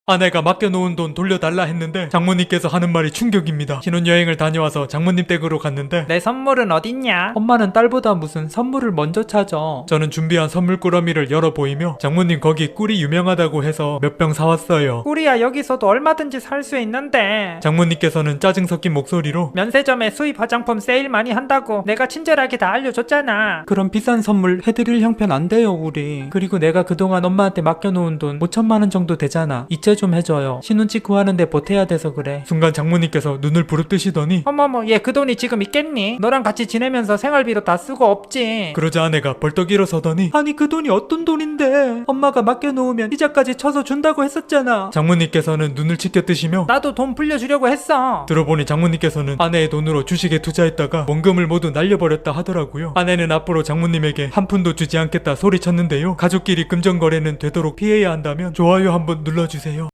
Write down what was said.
아내가 맡겨놓은 돈 돌려달라 했는데 장모님께서 하는 말이 충격입니다. 신혼여행을 다녀와서 장모님 댁으로 갔는데 내 선물은 어딨냐? 엄마는 딸보다 무슨 선물을 먼저 찾아. 저는 준비한 선물 꾸러미를 열어 보이며 장모님 거기 꿀이 유명하다고 해서 몇 병 사왔어요. 꿀이야 여기서도 얼마든지 살 수 있는데. 장모님께서는 짜증 섞인 목소리로 면세점에 수입 화장품 세일 많이 한다고 내가 친절하게 다 알려줬잖아. 그런 비싼 선물 해드릴 형편 안 돼요 우리. 그리고 내가 그동안 엄마한테 맡겨놓은 돈 5천만 원 정도 되잖아. 이체 좀 해줘요. 신혼집 구하는데 보태야 돼서 그래. 순간 장모님께서 눈을 부릅뜨시더니 어머머 얘 그 돈이 지금 있겠니? 너랑 같이 지내면서 생활비로 다 쓰고 없지. 그러자 아내가 벌떡 일어서더니 아니 그 돈이 어떤 돈인데 엄마가 맡겨놓으면 이자까지 쳐서 준다고 했었잖아. 장모님께서는 눈을 치켜뜨시며 나도 돈 불려주려고 했어. 들어보니 장모님께서는 아내의 돈으로 주식에 투자했다가 원금을 모두 날려버렸다 하더라고요. 아내는 앞으로 장모님에게 한 푼도 주지 않겠다 소리쳤는데요. 가족끼리 금전거래는 되도록 피해야 한다면 좋아요 한번 눌러주세요.